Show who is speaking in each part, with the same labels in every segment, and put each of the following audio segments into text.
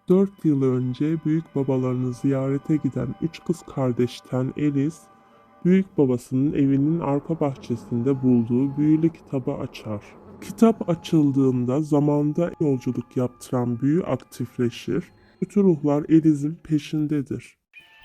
Speaker 1: 4 yıl önce büyük babalarını ziyarete giden 3 kız kardeşten Alice, büyük babasının evinin arka bahçesinde bulduğu büyülü kitabı açar. Kitap açıldığında zamanda yolculuk yaptıran büyü aktifleşir. Kötü ruhlar Alice'in peşindedir.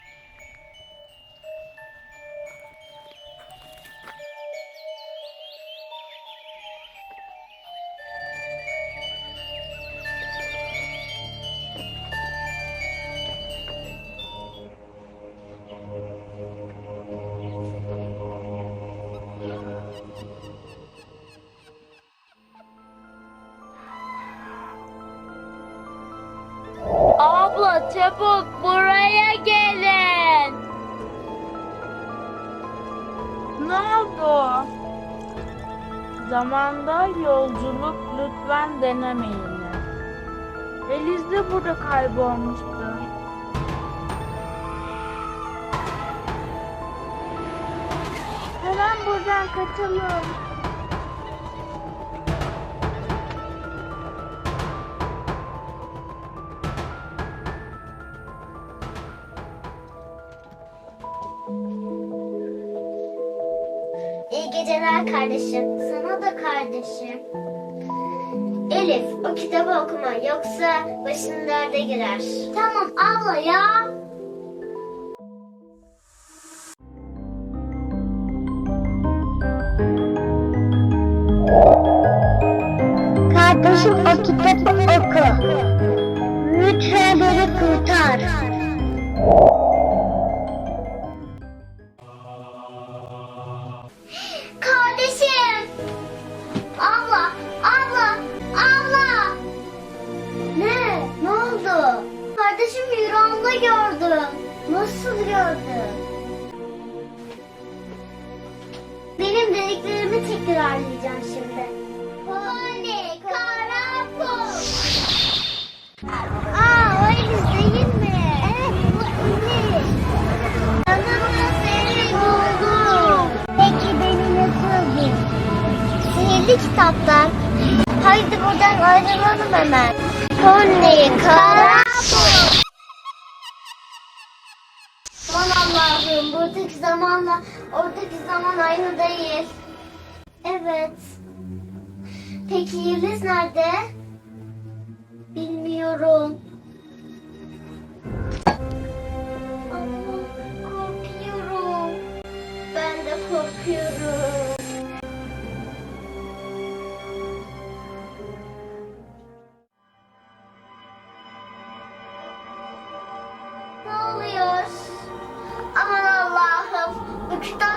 Speaker 2: Abla çabuk buraya gelin. Ne oldu? Zamanda yolculuk lütfen denemeyin. Eliz de burada kaybolmuştu. Hemen buradan kaçalım.
Speaker 3: İyi geceler kardeşim. Sana da kardeşim. Elif, o kitabı okuma yoksa başın derde girer. Tamam abla ya. Kardeşim o kitabı oku. Lütfen beni kurtar. Kardeşim! Abla! Abla! Abla! Ne? Ne oldu? Kardeşim rüyamda gördüm. Nasıl gördün? Benim dediklerimi tekrarlayacağım şimdi. Pony, Karapul. O Eliz değil mi? Evet, bu Eliz. Yanımda seni buldum. Peki beni nasıl buldun? Sihirli kitaplar. Haydi buradan ayrılalım hemen. Pony, Karapul. Aman Allah'ım, buradaki zamanla oradaki zaman aynı değil. Evet. Peki Yeliz nerede? Bilmiyorum. Ama korkuyorum. Ben de korkuyorum. Ne oluyor? Aman Allah'ım. Bu kitap